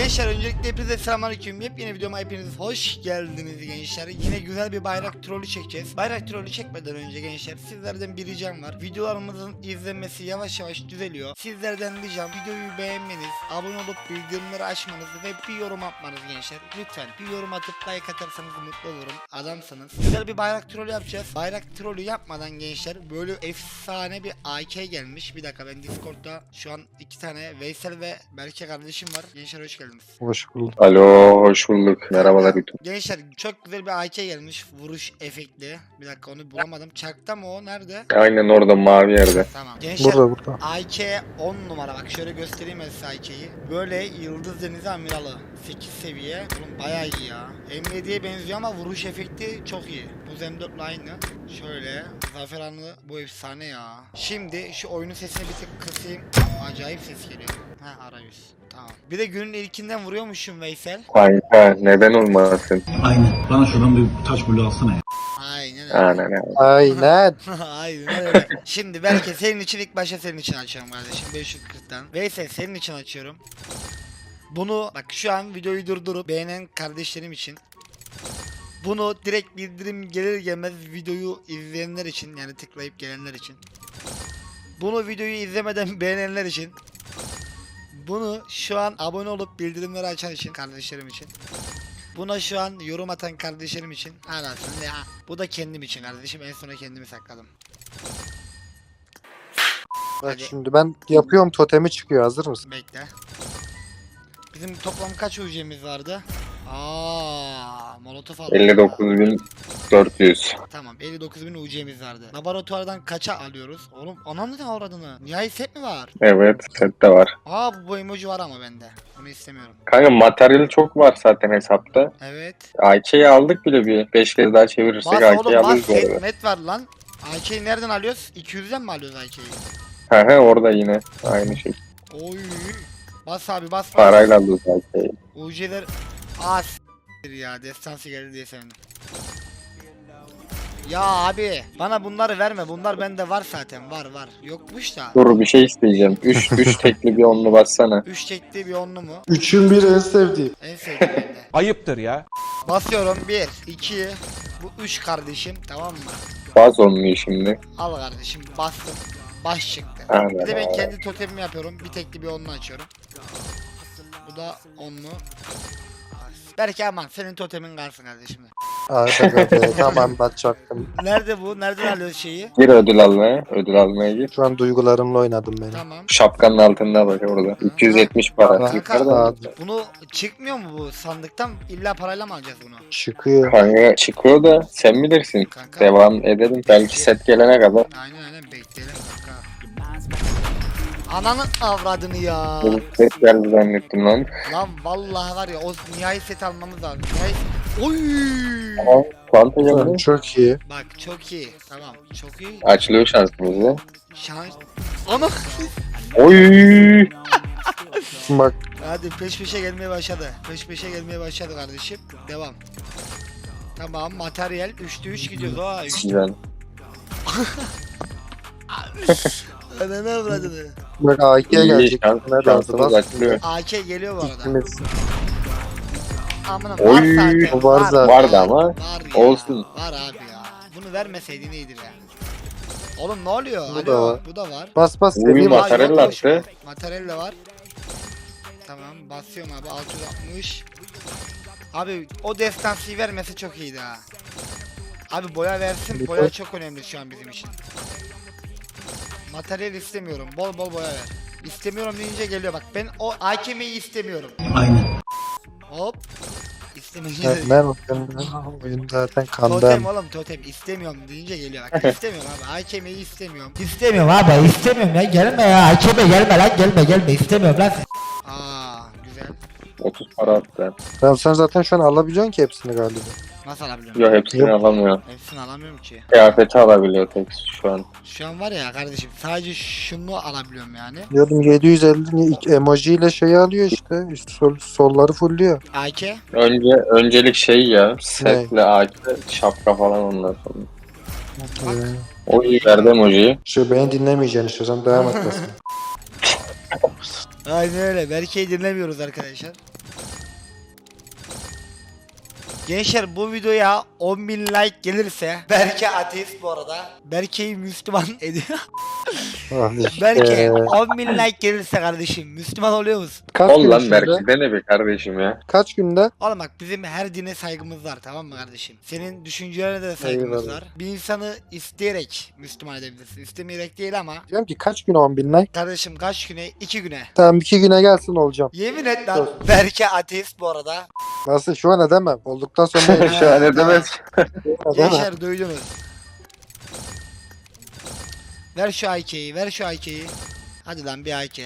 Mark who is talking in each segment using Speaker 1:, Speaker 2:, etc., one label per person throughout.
Speaker 1: Gençler öncelikle hepinize selamünaleyküm. Yepyeni videoma hepiniz hoş geldiniz gençler. Yine güzel bir bayrak trolü çekeceğiz. Bayrak trolü çekmeden önce gençler sizlerden bir ricam var. Videolarımızın izlenmesi yavaş yavaş düzeliyor. Sizlerden ricam videoyu beğenmeniz, abone olup bildirimleri açmanız ve bir yorum atmanız gençler. Lütfen bir yorum atıp like atarsanız mutlu olurum. Adamsınız. Güzel bir bayrak trolü yapacağız. Bayrak trolü yapmadan gençler böyle efsane bir AK gelmiş. Bir dakika, ben Discord'da şu an iki tane Veysel ve Berke kardeşim var. Gençler hoş geldiniz.
Speaker 2: Hoş bulduk.
Speaker 3: Alo, hoş bulduk. Merhabalar YouTube.
Speaker 1: Gençler çok güzel bir AK gelmiş. Vuruş efektli. Bir dakika, onu bulamadım. Çarkta mı o? Nerede?
Speaker 3: Aynen orada mavi yerde.
Speaker 1: Tamam. Gençler
Speaker 2: Burada.
Speaker 1: AK 10 numara. Bak şöyle göstereyim ben size AK'yi. Böyle Yıldız Denizi Amiralı. 8 seviye. Oğlum bayağı iyi ya. M7'ye benziyor ama vuruş efekti çok iyi. Bu M4'le aynı. Şöyle. Zafer Anı bu efsane ya. Şimdi şu oyunun sesini bir tık kısayım. Acayip ses geliyor. Ha, arayüz. Tamam. Bir de günün ilkinden vuruyormuşum Veysel.
Speaker 3: Kanka neden olmasın?
Speaker 4: Aynen. Bana şuradan bir taş bulu alsana ya.
Speaker 1: Aynen öyle.
Speaker 3: Aynen.
Speaker 2: Aynen.
Speaker 1: Aynen öyle. Şimdi belki senin için ilk başta senin için açıyorum kardeşim. 540'tan. Veysel senin için açıyorum. Bunu bak şu an videoyu durdurup beğenen kardeşlerim için. Bunu direkt bildirim gelir gelmez videoyu izleyenler için, yani tıklayıp gelenler için. Bunu videoyu izlemeden beğenenler için. Bunu şu an abone olup bildirimleri açan için, kardeşlerim için. Buna şu an yorum atan kardeşlerim için. Anasını ya. Bu da kendim için kardeşim. En sona kendimi sakladım.
Speaker 2: Bak
Speaker 1: Hadi.
Speaker 2: şimdi ben yapıyorum, totemi çıkıyor, hazır mısın?
Speaker 1: Bekle. Bizim toplam kaç UC'miz vardı? Molotof aldım.
Speaker 3: 59.400.
Speaker 1: Tamam, 59.000 UC'miz vardı. Laboratuvardan kaça alıyoruz? Oğlum anam neden avradını? Nihai set mi var?
Speaker 3: Evet, sette var.
Speaker 1: Bu emoji var ama bende. Bunu istemiyorum.
Speaker 3: Kanka materyal çok var zaten hesapta.
Speaker 1: Evet.
Speaker 3: AK'yi aldık bile bir 5 kez daha çevirirsek
Speaker 1: Bas
Speaker 3: AK'yi
Speaker 1: oğlum, bas.
Speaker 3: alırız bu arada.
Speaker 1: Net var lan. AK'yi nereden alıyoruz? 200'den mi alıyoruz AK'yi?
Speaker 3: He orada yine aynı şey.
Speaker 1: Oy. Bas abi, bas.
Speaker 3: Parayla alıyoruz AK'yi.
Speaker 1: UC'ler ya, destansı geldi diye sevindim. Ya abi bana bunları verme, bunlar bende var zaten, var yokmuş da.
Speaker 3: Dur bir şey isteyeceğim. 3 tekli bir onlu bassana.
Speaker 1: 3 tekli bir onlu mu?
Speaker 2: Üçün biri en sevdiğim.
Speaker 1: En sevdiğim bende.
Speaker 5: Ayıptır ya.
Speaker 1: Basıyorum 1 2 bu 3 kardeşim, tamam mı?
Speaker 3: Bas onluyu şimdi.
Speaker 1: Al kardeşim, bastım. Baş çıktı.
Speaker 3: Aynen.
Speaker 1: Bir de ben kendi totemimi yapıyorum. Bir tekli bir onlu açıyorum. Bu da onlu. Belki aman senin totemin kalsın kardeşim.
Speaker 2: Hadi be, tamam bakacaktım.
Speaker 1: Nerede bu? Nereden alıyoruz şeyi?
Speaker 3: Gir ödül almaya. Ödül almaya gir.
Speaker 2: Şu an duygularımla oynadım beni.
Speaker 1: Tamam.
Speaker 3: Şapkanın altında bak orada. 270 para.
Speaker 2: Kanka,
Speaker 3: Yukarıda.
Speaker 1: Bunu çıkmıyor mu bu sandıktan? İlla parayla mı alacağız bunu?
Speaker 2: Çıkıyor.
Speaker 3: Kanka çıkıyor da sen bilirsin.
Speaker 1: Kanka.
Speaker 3: Devam edelim. Belki set gelene kadar.
Speaker 1: Aynen bekleyelim kanka. Ananın avradını ya.
Speaker 3: Bu set geldi zannettim lan.
Speaker 1: Lan vallahi var ya, o nihai set almamız lazım. Nihai... Oy!
Speaker 3: Ama Fanta geldi.
Speaker 2: Çok iyi.
Speaker 1: Bak çok iyi. Tamam çok iyi.
Speaker 3: Açılıyor şansımızı.
Speaker 1: Şans. Ana.
Speaker 3: Oy!
Speaker 2: Bak
Speaker 1: Hadi peş peşe gelmeye başladı. Peş peşe gelmeye başladı kardeşim. Devam. Tamam, materyal 3'te 3 gidiyoruz. Aa 3'te.
Speaker 3: Güzel.
Speaker 1: Ananı avradını.
Speaker 2: bak AK'ye
Speaker 3: İyi,
Speaker 2: gelecek.
Speaker 3: şansımız açılıyor.
Speaker 1: AK geliyor bu arada.
Speaker 2: İkimiz.
Speaker 1: Amına
Speaker 3: Oy,
Speaker 1: var zaten.
Speaker 2: o var zaten.
Speaker 3: Vardı ama.
Speaker 1: Var ya,
Speaker 3: olsun.
Speaker 1: Var abi ya. Bunu vermeseydin iyidir ya. Oğlum ne oluyor?
Speaker 2: Bu da var.
Speaker 1: Bu da var.
Speaker 2: Bas bas
Speaker 3: Uy,
Speaker 2: seveyim.
Speaker 3: bak. Materyal
Speaker 1: yokmuş.
Speaker 3: attı.
Speaker 1: Materyal de var. Tamam basıyorum abi, 660. Abi o destansıyı vermesi çok iyiydi ha. Abi boya versin, boya çok önemli şu an bizim için. Materyal istemiyorum, bol bol boya ver. İstemiyorum deyince geliyor bak, ben o AKM'yi istemiyorum.
Speaker 4: Aynen.
Speaker 1: Hop. İstemeyince
Speaker 2: Evet, ben oyun zaten
Speaker 1: totem
Speaker 2: kandan.
Speaker 1: oğlum, totem istemiyorum deyince geliyor bak, istemiyorum abi, AKM'yi istemiyorum. İstemiyorum abi, istemiyorum ya, gelme ya AKM, gelme lan, gelme istemiyorum lan. Güzel.
Speaker 3: 30 para attı.
Speaker 2: Tamam, sen zaten şu an alabiliyorsun ki hepsini galiba.
Speaker 1: Nasıl alabiliyorum?
Speaker 3: Yok hepsini
Speaker 2: Yok.
Speaker 3: alamıyor.
Speaker 1: Hepsini alamıyorum ki.
Speaker 3: Kıyafeti alabiliyor tek şu an.
Speaker 1: Şu an var ya kardeşim, sadece şunu alabiliyorum yani.
Speaker 2: Diyordum 750 emoji ile şeyi alıyor işte. Solları fullüyor.
Speaker 1: AK.
Speaker 3: Öncelik şey ya. Setle AK, şapka falan ondan sonra. O iyi verdi emojiyi.
Speaker 2: Şu beni dinlemeyeceksin işte, sen devam et.
Speaker 1: Aynen öyle. Berke'yi dinlemiyoruz arkadaşlar. Gençler bu videoya 10.000 like gelirse Berke ateist bu arada. Berke'yi Müslüman ediyor. Berke 10.000 like gelirse kardeşim Müslüman oluyor musun?
Speaker 2: Kaç
Speaker 3: Ol
Speaker 2: gün
Speaker 3: lan
Speaker 2: içinde?
Speaker 3: belki dene be kardeşim ya.
Speaker 2: Kaç günde?
Speaker 1: Oğlum bak bizim her dine saygımız var tamam mı kardeşim? Senin düşüncelerine de saygımız
Speaker 2: Eyvallah.
Speaker 1: var. Bir insanı isteyerek Müslüman edebilirsin. İstemeyerek değil ama.
Speaker 2: Diyorum ki kaç gün 10.000 like?
Speaker 1: Kardeşim kaç güne? 2 güne.
Speaker 2: Tamam 2 güne gelsin olacağım.
Speaker 1: Yemin et lan. Berke ateist bu arada.
Speaker 2: Nasıl şu an edemem. Olduktan sonra
Speaker 3: Şu an edemez.
Speaker 2: edemem.
Speaker 1: Gençler duydunuz. Ver şu IK'yi, ver şu IK'yi. Hadi lan bir IK.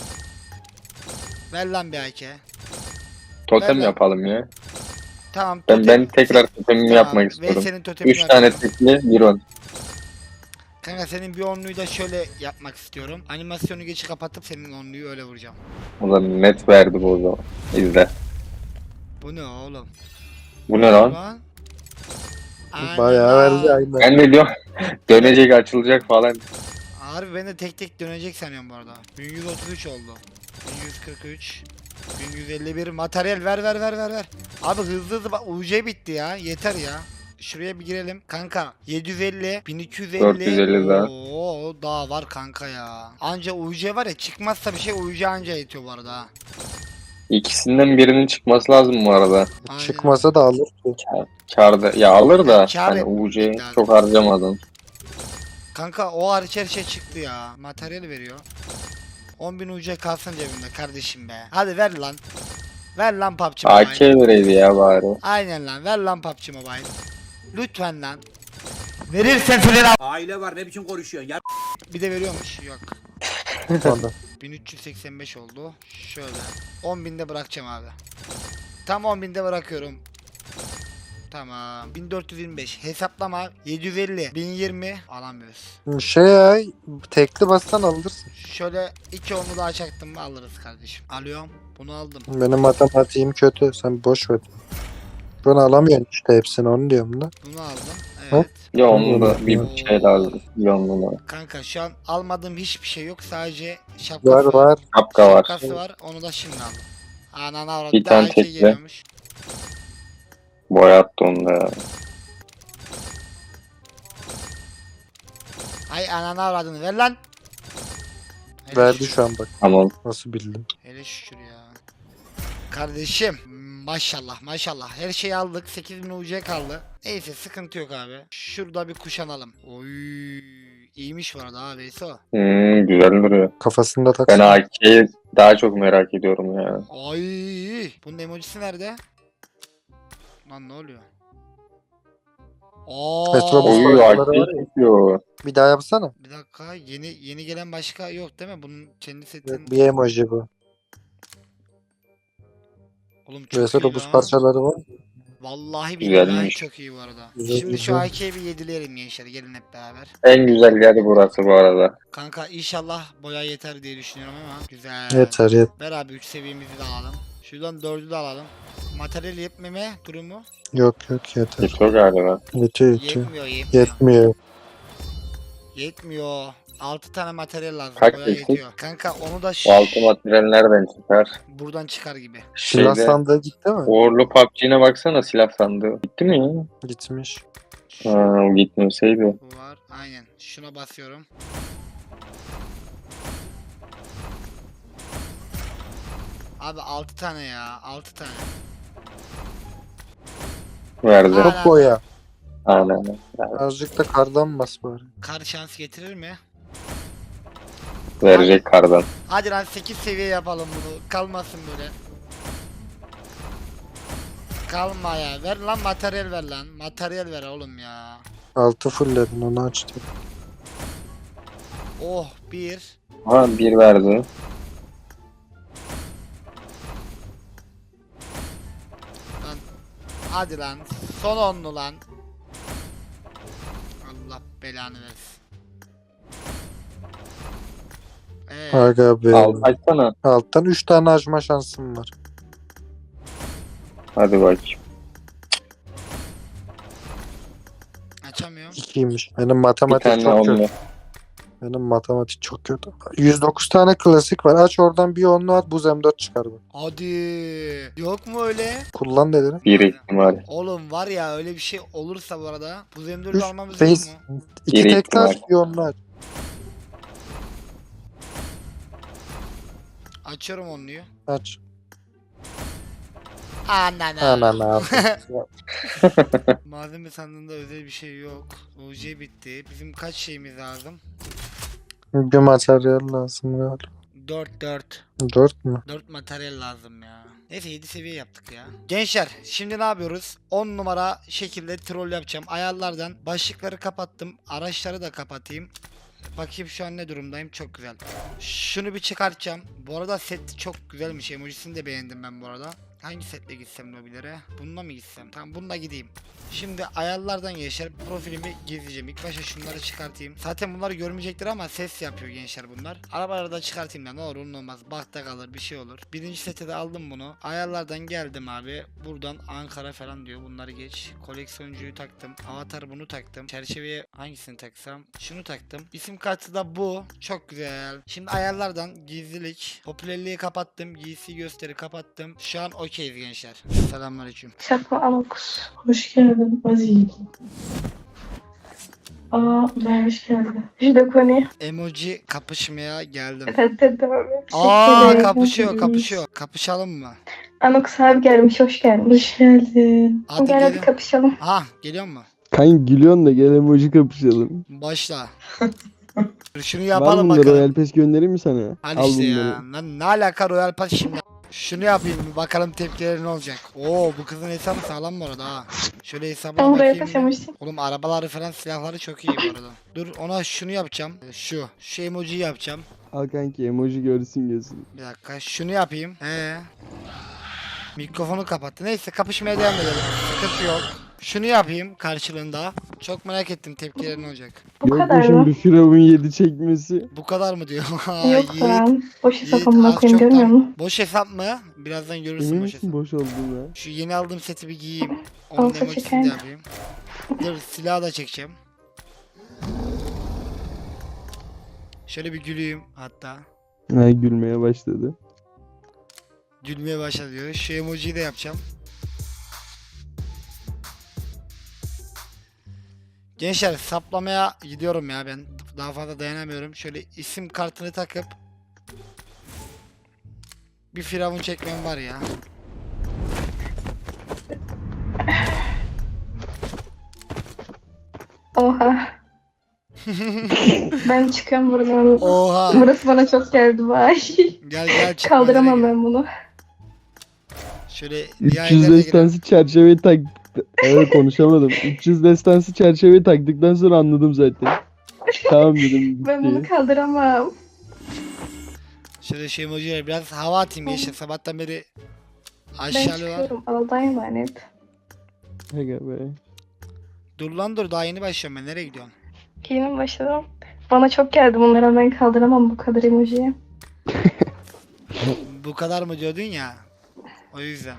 Speaker 1: Ver lan bir IK.
Speaker 3: Totem
Speaker 1: Ben-
Speaker 3: yapalım ya.
Speaker 1: Tamam.
Speaker 3: Ben tekrar totemimi
Speaker 1: Tamam,
Speaker 3: yapmak
Speaker 1: ve
Speaker 3: istiyorum.
Speaker 1: senin totemini
Speaker 3: 3 tane
Speaker 1: yapıyorum.
Speaker 3: tekli bir on.
Speaker 1: Kanka senin bir onluyu da şöyle yapmak istiyorum. Animasyonu geçi kapatıp senin onluyu öyle vuracağım.
Speaker 3: Ulan net verdi bu o zaman. İzle.
Speaker 1: Bu ne oğlum?
Speaker 3: Bu ne lan?
Speaker 2: Bayağı verdi aynen.
Speaker 3: Ben de diyorum dönecek açılacak falan.
Speaker 1: Harbi ben de tek tek dönecek sanıyorum bu arada. 1133 oldu. 1143. 1151 materyal ver. Abi hızlı bak UC bitti ya. Yeter ya. Şuraya bir girelim. Kanka 750, 1250.
Speaker 3: 450 daha.
Speaker 1: Oo daha var kanka ya. Anca UC var ya çıkmazsa bir şey UC anca yetiyor bu arada ha.
Speaker 3: İkisinden birinin çıkması lazım bu arada.
Speaker 1: Aynen.
Speaker 2: Çıkmasa da alır ki.
Speaker 3: Karda ya alır da
Speaker 1: Kâr
Speaker 3: hani
Speaker 1: etmek
Speaker 3: UC'yi
Speaker 1: lazım.
Speaker 3: çok harcamadım.
Speaker 1: Kanka o hariç her şey çıktı ya. Materyal veriyor. 10.000 UC kalsın cebimde kardeşim be. Hadi ver lan. Ver lan PUBG Mobile.
Speaker 3: AK vereydi ya bari.
Speaker 1: Aynen lan ver lan PUBG Mobile. Lütfen lan. Verirsen söyler
Speaker 5: Aile var ne biçim konuşuyorsun ya?
Speaker 1: Bir de veriyormuş. Yok.
Speaker 2: Sonra.
Speaker 1: 1385 oldu. Şöyle. 10.000'de bırakacağım abi. Tam 10.000'de bırakıyorum. Tamam. 1425. Hesaplama. 750. 1020. Alamıyoruz.
Speaker 2: Şey ya tekli bassan alırsın.
Speaker 1: Şöyle iki onu daha çaktım mı alırız kardeşim. Alıyorum. Bunu aldım.
Speaker 2: Benim matematiğim kötü. Sen boş ver. Ben alamıyorum işte hepsini onu diyorum da.
Speaker 1: Bunu aldım. Evet.
Speaker 3: Ya onun da bir
Speaker 1: Oo.
Speaker 3: şey lazım. Yoluna.
Speaker 1: Kanka şu an almadığım hiçbir şey yok. Sadece şapkası
Speaker 2: Var.
Speaker 3: Şapka var.
Speaker 1: Şapkası var. Onu da şimdi aldım. Anana avradı.
Speaker 3: Bir
Speaker 1: Bir daha
Speaker 3: tane
Speaker 1: iki
Speaker 3: tekli.
Speaker 1: geliyormuş.
Speaker 3: Boyattı onu da ya.
Speaker 1: Ay anana avradını ver lan. Hele
Speaker 2: Verdi
Speaker 1: şükür.
Speaker 2: şu an bak.
Speaker 3: Tamam.
Speaker 2: Nasıl bildim.
Speaker 1: Hele şükür ya. Kardeşim maşallah her şeyi aldık 8000 UC kaldı. Neyse sıkıntı yok abi. Şurada bir kuşanalım. Oy iyiymiş bu arada abi o.
Speaker 3: Güzel duruyor.
Speaker 2: Kafasında
Speaker 3: Ben
Speaker 2: taksın.
Speaker 3: AK'yi daha çok merak ediyorum ya.
Speaker 1: Ay bunun emojisi nerede? Lan ne oluyor?
Speaker 2: Metrobüs
Speaker 1: Aa,
Speaker 3: Oy
Speaker 2: parçaları
Speaker 3: AK
Speaker 2: var ya.
Speaker 3: çıkıyor.
Speaker 2: Bir daha yapsana.
Speaker 1: bir dakika yeni gelen başka yok değil mi? Bunun kendi setin.
Speaker 2: Bir emoji bu.
Speaker 1: Oğlum çok
Speaker 2: Mesela
Speaker 1: iyi
Speaker 2: buz
Speaker 1: lan.
Speaker 2: parçaları var.
Speaker 1: Vallahi billahi
Speaker 3: Güzelmiş.
Speaker 1: çok iyi bu arada.
Speaker 2: Güzel,
Speaker 1: Şimdi şu
Speaker 2: güzel.
Speaker 1: AK'yi bir yedileyelim gençler gelin hep beraber.
Speaker 3: En güzel yer burası bu arada.
Speaker 1: Kanka inşallah boya yeter diye düşünüyorum ama güzel.
Speaker 2: Yeter.
Speaker 1: Ver abi 3 seviyemizi de alalım. Şuradan 4'ü de alalım. Materyal yetmeme durumu
Speaker 2: Yok yeter.
Speaker 3: Yetiyor galiba.
Speaker 2: Yetiyor. Yetmiyor.
Speaker 1: Yetmiyor. 6 tane materyal lazım.
Speaker 3: Kaç
Speaker 1: boya
Speaker 3: eksik?
Speaker 1: yetiyor. Kanka onu da
Speaker 3: O altı materyal nereden çıkar?
Speaker 1: buradan çıkar gibi.
Speaker 2: Silah
Speaker 3: Şeyde
Speaker 2: sandığı gitti mi?
Speaker 3: Uğurlu PUBG'ne baksana silah sandığı. Gitti mi ya?
Speaker 2: Gitmiş.
Speaker 1: Şu
Speaker 3: Ha, o gitmeseydi.
Speaker 1: bu var. Aynen. Şuna basıyorum. Abi 6 tane ya. 6 tane.
Speaker 3: Verdi.
Speaker 1: Ha.
Speaker 2: Çok boya.
Speaker 3: Aynen.
Speaker 2: Azıcık da kardan bas bari.
Speaker 1: Kar şans getirir mi?
Speaker 3: Verecek kardan.
Speaker 1: Hadi lan 8 seviye yapalım bunu. Kalmasın böyle. Kalma ya. Ver lan materyal ver lan. Materyal ver oğlum ya.
Speaker 2: 6 fullledin onu açtım.
Speaker 1: Oh 1.
Speaker 3: Ha bir verdi.
Speaker 1: Lan. Hadi lan. Son onlu lan. Allah belanı versin.
Speaker 2: Aga be.
Speaker 3: Al açsana.
Speaker 2: Alttan 3 tane açma şansım var.
Speaker 3: Hadi bak.
Speaker 1: Açamıyorum.
Speaker 2: 2'ymiş. Benim
Speaker 3: Bir
Speaker 2: matematik
Speaker 3: tane
Speaker 2: çok
Speaker 3: onlu.
Speaker 2: kötü. Benim matematik çok kötü. 109 tane klasik var. Aç oradan bir onlu at, buz M4 çıkar bu.
Speaker 1: Hadi. Yok mu öyle?
Speaker 2: Kullan dedin.
Speaker 3: Bir ihtimal.
Speaker 1: Oğlum var ya öyle bir şey olursa bu arada bu M4'ü
Speaker 2: Üç
Speaker 1: almamız yok
Speaker 2: face.
Speaker 1: mu?
Speaker 2: 2
Speaker 3: Bir
Speaker 2: tekli aç,
Speaker 3: ihtimal.
Speaker 2: bir onlu aç.
Speaker 1: Açıyorum onluyu.
Speaker 2: Aç.
Speaker 1: Anana.
Speaker 2: Anana.
Speaker 1: Malzeme sandığında özel bir şey yok. UC bitti. Bizim kaç şeyimiz lazım?
Speaker 2: Bir materyal lazım galiba.
Speaker 1: 4.
Speaker 2: 4 mü?
Speaker 1: 4 materyal lazım ya. Neyse 7 seviye yaptık ya. Gençler şimdi ne yapıyoruz? 10 numara şekilde troll yapacağım. Ayarlardan başlıkları kapattım. Araçları da kapatayım. Bakayım şu an ne durumdayım. Çok güzel. Şunu bir çıkartacağım. Bu arada set çok güzelmiş. Emojisini de beğendim ben bu arada. Hangi setle gitsem lobilere? Bununla mı gitsem? Tamam bununla gideyim. Şimdi ayarlardan gençler profilimi gizleyeceğim. İlk başta şunları çıkartayım. Zaten bunları görmeyecektir ama ses yapıyor gençler bunlar. Arabaları da çıkartayım da ne olur ne olmaz. Bakta kalır bir şey olur. Birinci sete de aldım bunu. Ayarlardan geldim abi. Buradan Ankara falan diyor. Bunları geç. Koleksiyoncuyu taktım. Avatar bunu taktım. Çerçeveye hangisini taksam? Şunu taktım. İsim kartı da bu. Çok güzel. Şimdi ayarlardan gizlilik. Popülerliği kapattım. Giysi gösteri kapattım. Şu an okeyiz gençler. Selamünaleyküm.
Speaker 6: Çakma Anakus. Hoş geldin Aziz. Ben hoş geldin. Jidokoni.
Speaker 1: Emoji kapışmaya geldim.
Speaker 6: Evet abi.
Speaker 1: Aa kapışıyor. Kapışalım mı?
Speaker 6: Anakus abi gelmiş, hoş gelmiş. Hoş geldin.
Speaker 1: Hadi
Speaker 6: Gel hadi
Speaker 1: gelin.
Speaker 6: kapışalım.
Speaker 1: Ha geliyor mu?
Speaker 7: Kanka gülüyorsun da gel emoji kapışalım.
Speaker 1: Başla. Şunu
Speaker 7: Var
Speaker 1: yapalım
Speaker 7: mı
Speaker 1: bakalım.
Speaker 7: Royal Pass göndereyim mi sana?
Speaker 1: Hadi
Speaker 7: Al
Speaker 1: işte
Speaker 7: bunları.
Speaker 1: ya. Lan ne alaka Royal Pass şimdi? Şunu yapayım bir bakalım tepkileri ne olacak. Oo bu kızın hesabı sağlam bu arada ha. Şöyle hesabına
Speaker 6: Ben buraya
Speaker 1: bakayım. bir.
Speaker 6: taşımıştım.
Speaker 1: Oğlum arabaları falan silahları çok iyi bu arada. Dur ona şunu yapacağım. Şu emojiyi yapacağım.
Speaker 7: Al kanki emoji görsün gözün.
Speaker 1: Bir dakika şunu yapayım. Mikrofonu kapattı. Neyse kapışmaya devam edelim. Sıkıntı yok. Şunu yapayım karşılığında. Çok merak ettim tepkileri ne olacak.
Speaker 6: Bu
Speaker 7: Yok
Speaker 6: kadar
Speaker 7: mu şimdi
Speaker 6: mı?
Speaker 7: Firavun 7 çekmesi?
Speaker 1: Bu kadar mı diyor?
Speaker 6: Yok
Speaker 1: Yiğit,
Speaker 6: lan. Boş
Speaker 1: Yiğit
Speaker 6: hesap amına
Speaker 1: az
Speaker 6: koyayım,
Speaker 1: çok
Speaker 6: görmüyor
Speaker 1: tam-
Speaker 6: musun?
Speaker 1: Boş hesap mı? Birazdan görürsün
Speaker 7: Emin
Speaker 1: boş
Speaker 7: misin
Speaker 1: hesap.
Speaker 7: boş olduğuna?
Speaker 1: Şu yeni aldığım seti bir giyeyim. Onun
Speaker 6: Olsa
Speaker 1: emojisini de
Speaker 6: çekerim.
Speaker 1: yapayım. Dur silahı da çekeceğim. Şöyle bir güleyim hatta.
Speaker 7: Ha gülmeye başladı.
Speaker 1: Gülmeye başladı diyor. Şu emojiyi de yapacağım. Gençler saplamaya gidiyorum ya ben. Daha fazla dayanamıyorum. Şöyle isim kartını takıp bir firavun çekmem var ya.
Speaker 6: Oha. Ben çıkıyorum buradan.
Speaker 1: Oha.
Speaker 6: Burası bana çok geldi vay.
Speaker 1: Gel çık.
Speaker 6: Kaldıramam
Speaker 1: bana gel.
Speaker 6: ben bunu.
Speaker 1: Şöyle
Speaker 7: 300
Speaker 1: diğerlerine girelim.
Speaker 7: destansı çerçeveyi tak... Evet konuşamadım. 300 destansı çerçeveyi taktıktan sonra anladım zaten. Tamam dedim.
Speaker 6: Ben bunu
Speaker 7: Bitti.
Speaker 6: kaldıramam.
Speaker 1: Şöyle şey emojileri biraz hava atayım gençler. Sabahtan beri
Speaker 6: Ben
Speaker 1: aşağılıyorlar.
Speaker 6: çıkıyorum. Allah'a emanet.
Speaker 7: Aga be.
Speaker 1: Dur lan dur daha yeni başlıyorum ben. Nereye gidiyorsun?
Speaker 6: Yeni başladım. Bana çok geldi bunlara, ben kaldıramam bu kadar emojiyi.
Speaker 1: Bu kadar mı diyordun ya? O yüzden.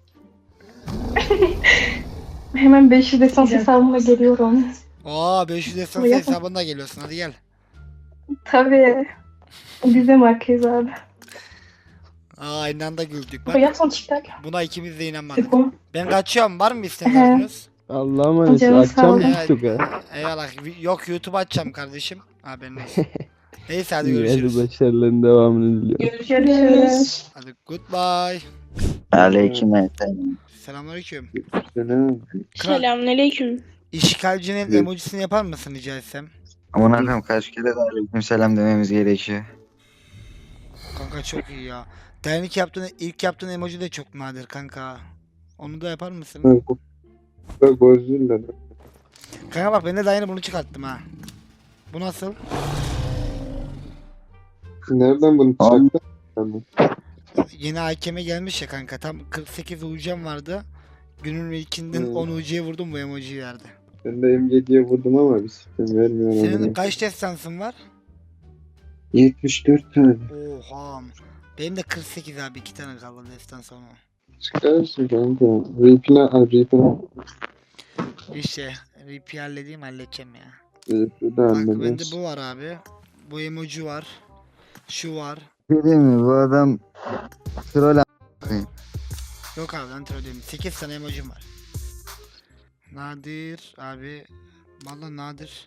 Speaker 6: Hemen 500 desans hesabıma geliyorum.
Speaker 1: Oo 500 esans
Speaker 6: Yapma.
Speaker 1: hesabında geliyorsun hadi gel.
Speaker 6: Tabii. Biz de markayız abi.
Speaker 1: Aa aynı anda güldük bak.
Speaker 6: Bu yapma TikTok.
Speaker 1: Buna ikimiz de inanmadık.
Speaker 6: Tıkla.
Speaker 1: Ben kaçıyorum var mı isteğiniz?
Speaker 7: Allah'a emanet.
Speaker 6: Canım sağ ol.
Speaker 7: Açacağım mı TikTok'a?
Speaker 1: Eyvallah. Yok YouTube açacağım kardeşim. Haberin olsun. Neyse hadi
Speaker 7: İyi hadi
Speaker 1: görüşürüz.
Speaker 7: başarıların devamını diliyorum.
Speaker 6: Görüşürüz.
Speaker 1: Hadi goodbye.
Speaker 8: Aleykümselam.
Speaker 1: Selamünaleyküm.
Speaker 9: Selamünaleyküm.
Speaker 1: İşgalcinin emojisini yapar mısın rica etsem?
Speaker 8: Amına koyayım kaç kere de aleykümselam dememiz gerekiyor.
Speaker 1: Kanka çok iyi ya. Dernek ilk yaptığın emoji de çok nadir kanka. Onu da yapar mısın? Kanka bak ben de daha yeni bunu çıkarttım ha. Bu nasıl?
Speaker 2: Nereden bunu
Speaker 8: Tamam.
Speaker 2: çıktın?
Speaker 1: Yeni AKM gelmiş ya kanka. Tam 48 UC'm vardı. Günün ilkinden
Speaker 2: Hmm.
Speaker 1: 10 UC'ye vurdum bu emojiyi verdi.
Speaker 2: Ben de M7'ye vurdum ama bir sistem vermiyor.
Speaker 1: Senin kaç destansın var?
Speaker 2: 74 tane.
Speaker 1: Oha. Benim de 48 abi 2 tane kaldı destan sonra.
Speaker 2: Çıkarsın kanka. Replan.
Speaker 1: İşte RP halledeyim halledeceğim ya.
Speaker 2: Replan
Speaker 1: Bak
Speaker 2: hallederiz.
Speaker 1: bende bu var abi. Bu emoji var. Şu var.
Speaker 8: Değil mi? Bu adam troll
Speaker 1: Yok abi lan troll değilim. 8 tane emojim var. Nadir abi. Vallahi nadir.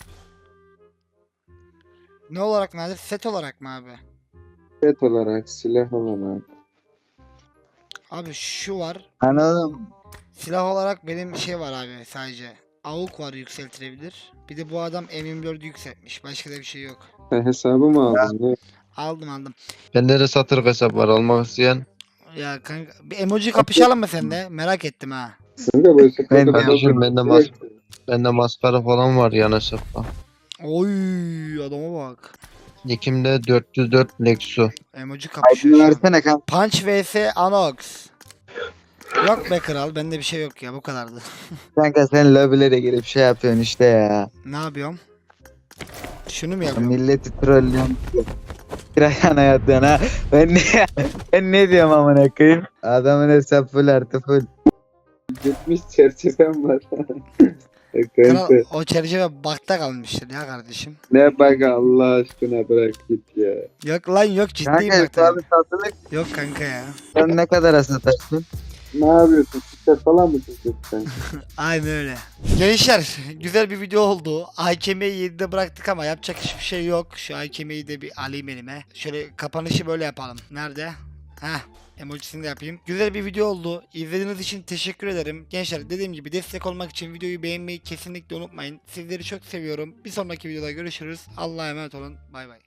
Speaker 1: Ne olarak nadir? Set olarak mı abi?
Speaker 2: set olarak, silah olarak.
Speaker 1: Abi şu var.
Speaker 8: Anladım.
Speaker 1: Silah olarak benim şey var abi sadece. AUK var yükseltilebilir. Bir de bu adam M24'ü yükseltmiş. Başka da bir şey yok.
Speaker 2: Sen hesabı mı aldın? Ne?
Speaker 1: Aldım.
Speaker 9: Bende de satır hesap var almak isteyen.
Speaker 1: Ya kanka bir emoji kapışalım mı sende? Merak ettim ha.
Speaker 2: Kanka bu hesapta
Speaker 8: Ben-
Speaker 9: Kardeşim bende maskara falan var yan hesapta.
Speaker 1: Oy adama bak.
Speaker 9: Nikimde 404 Lexus.
Speaker 1: Emoji
Speaker 8: Aydın
Speaker 1: kapışıyor şu an.
Speaker 8: versene kanka.
Speaker 1: Punch vs Anox. Yok be kral bende bir şey yok ya bu kadardı.
Speaker 8: Kanka sen lobilere girip şey yapıyorsun işte ya.
Speaker 1: Ne yapıyorum? Şunu mu yapıyorum?
Speaker 8: Milleti trollüyorsun. Bir ayağına yatıyorsun ha. Ben ne diyorum amına koyayım? Adamın hesap full artı full.
Speaker 2: 70 çerçevem var.
Speaker 1: Kral o çerçeve bakta kalmıştır ya kardeşim.
Speaker 2: Ne bak Allah aşkına bırak git ya.
Speaker 1: Yok lan yok ciddiyim
Speaker 8: Kanka
Speaker 1: bakta.
Speaker 8: hesabı satılık.
Speaker 1: Yok kanka ya.
Speaker 8: Sen ne kadar satarsın?
Speaker 2: Ne yapıyorsun? Siktir falan mı çekiyorsun sen?
Speaker 1: Aynen öyle. Gençler güzel bir video oldu. AKM'yi 7'de bıraktık ama yapacak hiçbir şey yok. Şu AKM'yi de bir alayım elime. Şöyle kapanışı böyle yapalım. Nerede? Heh. Emojisini de yapayım. Güzel bir video oldu. İzlediğiniz için teşekkür ederim. Gençler dediğim gibi destek olmak için videoyu beğenmeyi kesinlikle unutmayın. Sizleri çok seviyorum. Bir sonraki videoda görüşürüz. Allah'a emanet olun. Bay bay.